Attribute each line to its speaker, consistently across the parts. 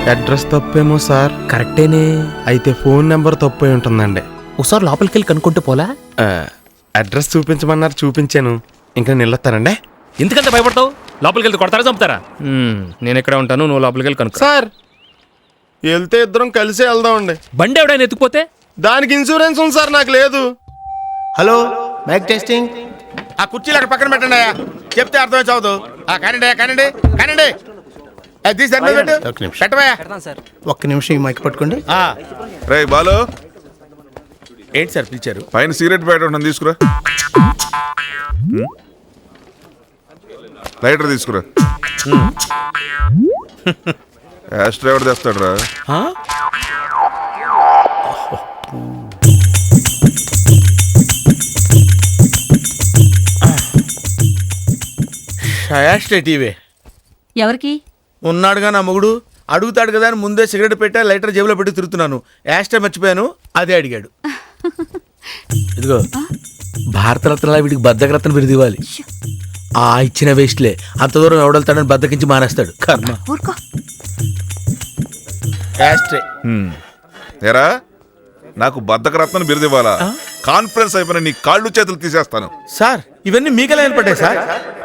Speaker 1: Address తప్పేమో sir.
Speaker 2: కరెక్టేనే.
Speaker 1: అయితే phone number తప్పై ఉంటుందండి.
Speaker 2: ఒకసారి లోపలికి వెళ్ళి కనుక్కుంటే పోలా?
Speaker 1: అడ్రస్ చూపించమన్నారు, చూపించాను. ఇంకా నిల్లొస్తారండి.
Speaker 2: ఎందుకంత భయపడతావు? లోపలికి వెళ్తే కొడతారా, చంపుతారా? నేను ఎక్కడ ఉంటాను, నువ్వు లోపలికి వెళ్ళి కనుక్కో.
Speaker 1: సార్ వెళ్తే ఇద్దరం కలిసే వెళ్దామండి.
Speaker 2: బండి ఎవడైనా ఎత్తుకుపోతే?
Speaker 1: దానికి ఇన్సూరెన్స్ ఉంది సార్, నాకు లేదు.
Speaker 3: Hello, mike testing.
Speaker 4: ఆ కుర్చీలు అక్కడ పక్కన పెట్టండి అయ్యా, చెప్తే అర్థమే చదువు. కానండి కానండి కానండి, పెట్టవయ్యా.
Speaker 3: ఒక్క నిమిషం ఈ మైక్ పట్టుకోండి.
Speaker 5: రే బాలు,
Speaker 4: ఏంటి సార్ పిలిచారు?
Speaker 5: పైన సిగరెట్ ప్యాకెట్ ఉంటుంది, తీసుకురా. లైటర్ తీసుకురా. యాష్ డ్రైవర్ తెస్తాడు రా.
Speaker 4: టీవీ
Speaker 6: ఎవరికి?
Speaker 4: ఉన్నాడుగా నా మొగుడు, అడుగుతాడు కదా అని ముందే సిగరెట్ పెట్టా, లైటర్ జేబులో పెట్టి తిరుగుతున్నాను. యాస్టే మర్చిపోయాను, అదే అడిగాడు. ఇదిగో భారతరత్న వీడికి బద్దకరత్న బిరుదు ఇవ్వాలి. ఆ ఇచ్చిన వేస్ట్లే, అంత దూరం ఎవడెళ్తాడని బద్దకించి మానేస్తాడు. కర్మ. యాస్ట్రే.
Speaker 5: ఏరా, నాకు బద్దకరత్నం బిరుదు ఇవ్వాలా? కాన్ఫరెన్స్ అయిపోయిన నీ కాళ్ళు చేతులు తీసేస్తాను.
Speaker 4: సార్ ఇవన్నీ మీకెలా ఏర్పడ్డాయి సార్?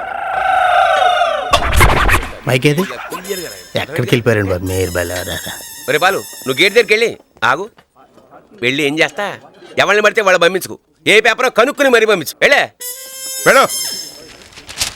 Speaker 3: మైక్ ఏది? ఎక్కడికి వెళ్ళిపోయారండి బాబు మీరు? బలారా
Speaker 7: ఒరే బాలు, నువ్వు గేట్ దగ్గరికి వెళ్ళి ఆగు. వెళ్ళి ఏం చేస్తా, ఎవరిని పడితే వాళ్ళు పంపించుకు. ఏ పేపరో కనుక్కుని మరీ పంపించు. వెళ్ళే
Speaker 5: వెళ్ళు.